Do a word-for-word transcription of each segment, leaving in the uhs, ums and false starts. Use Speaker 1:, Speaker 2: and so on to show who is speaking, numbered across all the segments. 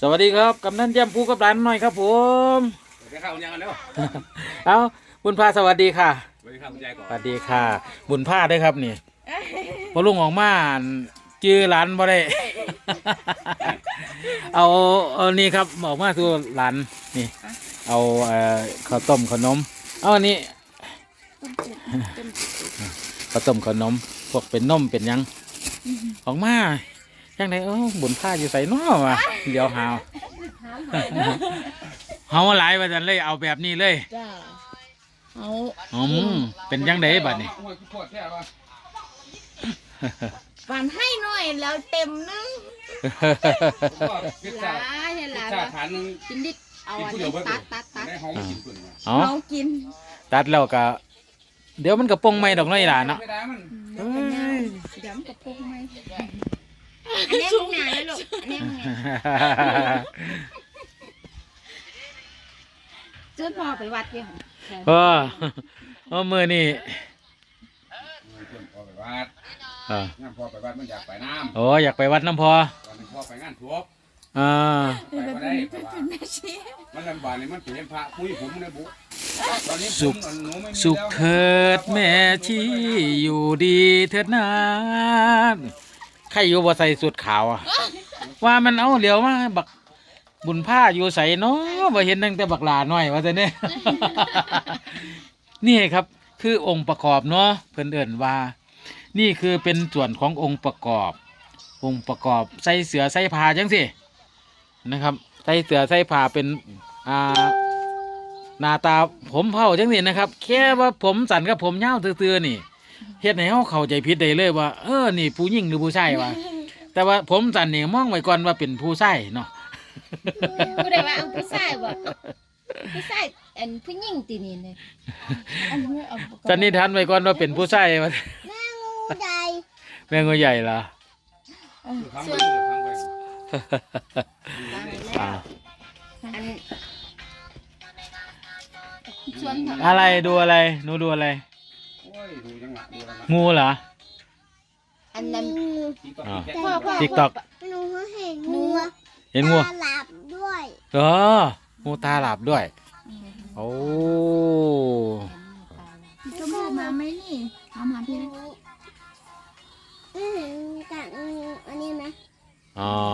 Speaker 1: สวัสดีครับกำนันแย้มผู้กับหลานหน่อยครับผม
Speaker 2: สวัสดีครับคุณยายกันแล้ว
Speaker 1: เอาบุญพาสวัสดีค่ะ
Speaker 2: สวัสดีครับคุณยายก่อน
Speaker 1: สวัสดีค่ะบุญพาด้วยครับนี่พอลุงออกมาจื้อหลานบ่ได้ เอาเอานี่ครับออกมาสู่หลานนี่เอาเอ่อข้าวต้มขนมเอาอันนี้ข้าวต้มขนมพวกเป็นนมเป็นยังออกมายังไงเออบุญพาอยู่ใส่น้อวะเดี๋ยวหาวเฮาหลายว่าจันเลยเอาแบบนี้เลย
Speaker 3: จ้าเอา
Speaker 1: อืมเป็นยังไงบัดนี้
Speaker 3: ฝันให้หน่อยแล้วเต็มนึงหลายให้หลายกินดิเอาอันนี้ตัดตัดตัด
Speaker 1: เอา
Speaker 3: เอากิน
Speaker 1: ตัดแล้วก็เดี๋ยวมันกระปงไม่ดอกน้อยหลานเนาะ
Speaker 3: เดี๋ยวมันกระพงไหมอันนี้มึงหนาเลยลูกอันนี้มึงไงเจ้าพ่อไปวัดยัง
Speaker 1: เออเออมือนี่
Speaker 2: พ่อไปวัดงานพ่อไปวัดมันอยากไปน้ำ
Speaker 1: โอ้อยากไปวัดน้ำพอ
Speaker 2: ตอนนี้พ่อไปงานทุบ
Speaker 1: อ่า
Speaker 2: ไปไม่ได้เพราะว่ามันลำบากเลยมันเปลี่ยนพระคุยผมในบุตอนนี้
Speaker 1: สุขสุขเถิดแม่ชีอยู่ดีเถิดนานใครอยู่บ่ใส่สุดขาวอ่ะว่ามันเอาเหลียวมาบักบุญผ้าอยู่ใส่เนาะบ่เห็นตั้งแต่บักหลาหน่อยว่าแต่เนี่ยนี่ครับคือองค์ประกอบเนาะเพิ่นเอิ้นว่านี่คือเป็นส่วนขององค์ประกอบองค์ประกอบใส่เสือใส่ผ้าจังสินะครับใส่เสือใส่ผ้าเป็นอ่าหน้าตาผมเผาจังสินะครับแค่ว่าผมสั้นกับผมยาวซื่อๆนี่เฮ็ดให้เฮาเข้าใจผิดได้เลยว่าเออนี่ผู้หญิงหรือผู้ชายวะแต่ว่าผมสั้นนี่มองไว้ก่อนว่าเป็นผู้ชายเนาะ
Speaker 3: ผู้ใดว่าเอาผู้ชายบ่ผู้ชายอันผู้หญิงตีนี่เลย
Speaker 1: สันนิษฐานไว้ก่อนว่าเป็นผู้ชายว่า
Speaker 3: แม่งูใหญ่
Speaker 1: แม่งูใหญ่ล่ะอะไรดูอะไรหนูดูอะไรงูเหรอ
Speaker 3: อันนั้น
Speaker 1: ติ๊กต็อก
Speaker 3: หนูเห็นงู
Speaker 1: เห็นงู
Speaker 3: ตาหลับด้วย
Speaker 1: เอองูตาหลับด้วยโอ้
Speaker 3: ชมพูมาไหมนี่เอามาพี่อืมกับอันนี้ไหม
Speaker 1: อ๋อ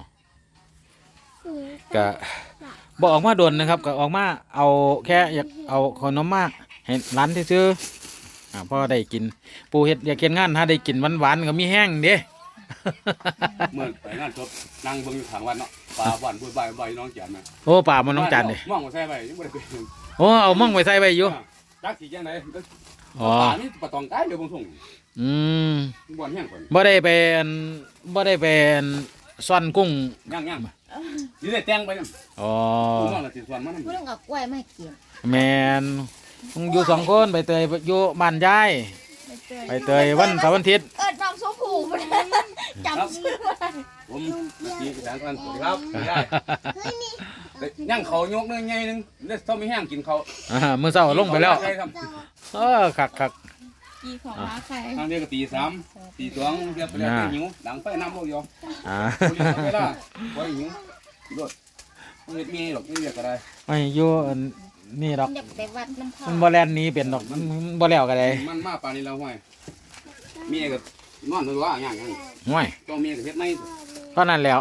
Speaker 1: ก็บอกออกมาโดนนะครับก็ออกมาเอาแค่อยากเอาขนมมาให้ร้านที่ซื้ออ่าพ่อได้กินปูเห็ดอยากกินงานถ้าได้กินหวานๆก็มีแห้งเด้
Speaker 2: เมื่อไปงานจบนั่งเบิ่งอยู่ทางวันเนาะป่าวันบุญใบใบน้องแจ่มนะ
Speaker 1: โอ้ป่ามันน้องจันเลย
Speaker 2: มองมาใส่ใบยังไม่ได้เป็น
Speaker 1: โอ้เอามั่งไปใส่ใบอยู่
Speaker 2: จักสีจังไหน
Speaker 1: อ๋อ
Speaker 2: นี่ปะตองไก่เดี๋ยวบงส่ง
Speaker 1: อืม
Speaker 2: บ่อนแห้งก่อน
Speaker 1: บ่ได้เป็นบ่ได้เป็นซ่อนกุ้ง
Speaker 2: ย่างย่างนี่ได้แตงไปนั่น
Speaker 1: อ๋อ
Speaker 2: คุณน้องละสิส่วนมัน
Speaker 3: คุณต้องเอากล้วยมาเกี่ยว
Speaker 1: แมนอยู่สองคนไปเตยอยู่บ้านยายไปเตยวันเสาร์วันอาทิตย์
Speaker 3: เอิดน้องชมพูจำชื่อว่า
Speaker 2: ผมมีภาษาอังกฤษครับได้ย่างเขายกนึงไงนึงเล่นต้องมีแห้งกินเขา
Speaker 1: อ่ามื้อเช้าลงไปแล้วเออคักคัก
Speaker 3: กี่ของมาใคร
Speaker 2: ทางเดียวก็ตีสามตีสองเรียบไปแล้วหิวหลังไฟน้ำโลกยอ
Speaker 1: อ่า
Speaker 2: เวลาไว้หิวรถมันมีหรอกไม่เรียกอะไร
Speaker 1: ไม่อยู่นี่ดอกมันบ่แลนนี้เป็นดอกมันบ่แล้วก็ได้
Speaker 2: มันมาป่านนี้แล้วห้อยมีก็นอนตัวอย่างอย่าง
Speaker 1: ห้อย
Speaker 2: ต้องมีก็เฮ็ดไม่
Speaker 1: ก็นั่นแล้ว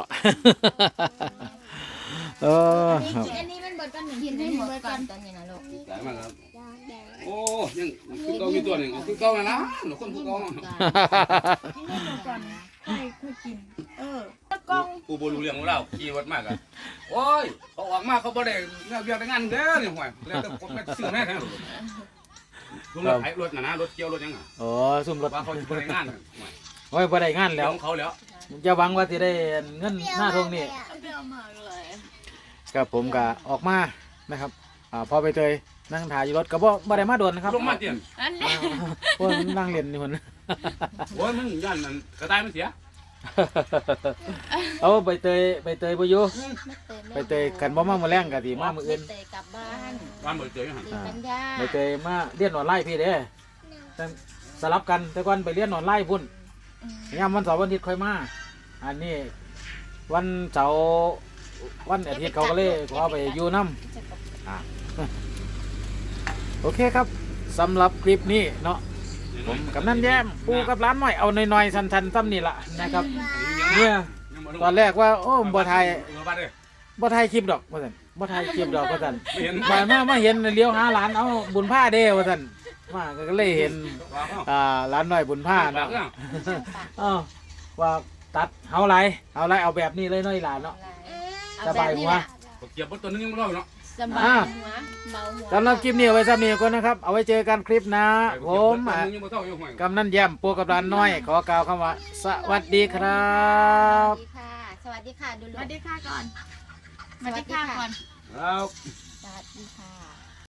Speaker 1: เออ
Speaker 3: อันนี้มันเบิดกันหนึ่งทีให้หมดก่อนตอนนี้นะลูก
Speaker 2: หลายมากครับโอ้ยังคือเก่ามีตัวหนึ่งคือเก่าแล้วนะหนูคนคือเก่า
Speaker 3: ให้ค่อยกินเออตะกอง
Speaker 2: กูบ่รู้เรื่องของเราขี่วัดมากอ่ะโอ้ยเขาออกมาเขาบ่ได้เรื่องเรื่องงานเด้อนี่ห่วยแล้วแต่ผมไปซื้อแม่แท้รถรถไถรถน่ะนะรถเกี่ยวรถยังอ่ะ
Speaker 1: อ๋อซุ่มรถ
Speaker 2: ว่าเขาบ่ได้งาน
Speaker 1: โอ้ยบ่ได้งานแล้ว
Speaker 2: ของเขาแล้ว
Speaker 1: จะหวังว่าสิได้เงินหน้าทงนี่กับผมก็ออกมานะครับอ่าพอไปเตยนั่งถ่ายอยู่รถก็บ่บ่ได้มาโดนนะครับ
Speaker 2: ลงมาเตียน
Speaker 1: พวกนั่งเล่นนี่คน
Speaker 2: โอ้ยมันย่านนั่นกระต่ายมันเสีย
Speaker 1: เอาใบเตยใบเตยบ่อยู่ใบเตยกันบ่มามื้อแรงก็สิมามื้ออื่น
Speaker 3: ใบเตยกลับบ้าน
Speaker 2: บ้านใบเตยหั่น
Speaker 1: ใบเตยมาเรียนออนไลน์พี่เด้สลับกันแต่ก่อนไปเรียนออนไลน์พุ่นยามวันเสาร์วันอาทิตย์ค่อยมาอันนี้วันเสาร์วันอาทิตย์เขาก็เลยขอไปอยู่น้ำอ่ะโอเคครับสำหรับคลิปนี้เนาะผมกับนั่นแย้มปูกับร้านหน่อยเอาหน่อยๆสันๆซ้ำนี่ละนะครับเนี่ยตอนแรกว่าโอ้บ่ไทย
Speaker 2: เออบ้านเด้อ
Speaker 1: บ่ไทยคลิปดอกว่าซั่นบ่ไทยคลิปดอกว่าซั่น
Speaker 2: ไม่เห็น
Speaker 1: มามามาเห็นเลี้ยวหาร้านเอาบุญผ้าเด้ว่าซั่นมาก็เลยเห็น
Speaker 2: ว่าเอ้า
Speaker 1: อ่าร้านน้อยบุญผ้า
Speaker 2: ปา
Speaker 1: เนาะ
Speaker 2: กเรื่อง
Speaker 1: เอ้าว่าตัดเฮาไรเอาไรเอาแบบนี้เลยน้อยหลานเนาะ สบายหัว
Speaker 2: เก็บบนตัวนึงยังไม่เล่าเนาะ
Speaker 3: สบายหัวเบาหัว
Speaker 1: สำหรับคลิปนี้เอาไว้ซ้ำนี้ก่อนนะครับ เอาไว้เจอกันคลิปหนะผ
Speaker 2: เก็บ
Speaker 1: ม
Speaker 2: บนตัว
Speaker 1: อ่ะ
Speaker 2: นึงยังไม่เท่าอยู่ห่วย
Speaker 1: กำนันแย้มปูกับร้านน้อย ขอกล่าวคำว่า สวัสดีครับ
Speaker 3: สวัสดีค่ะ สวัสดีค่ะดู
Speaker 4: ส
Speaker 3: ลู
Speaker 4: วั
Speaker 3: ก
Speaker 4: สดีค่ะก่อนสวัสดีค่ะก่อน
Speaker 2: แล้ว
Speaker 3: สวัสดีค่ะ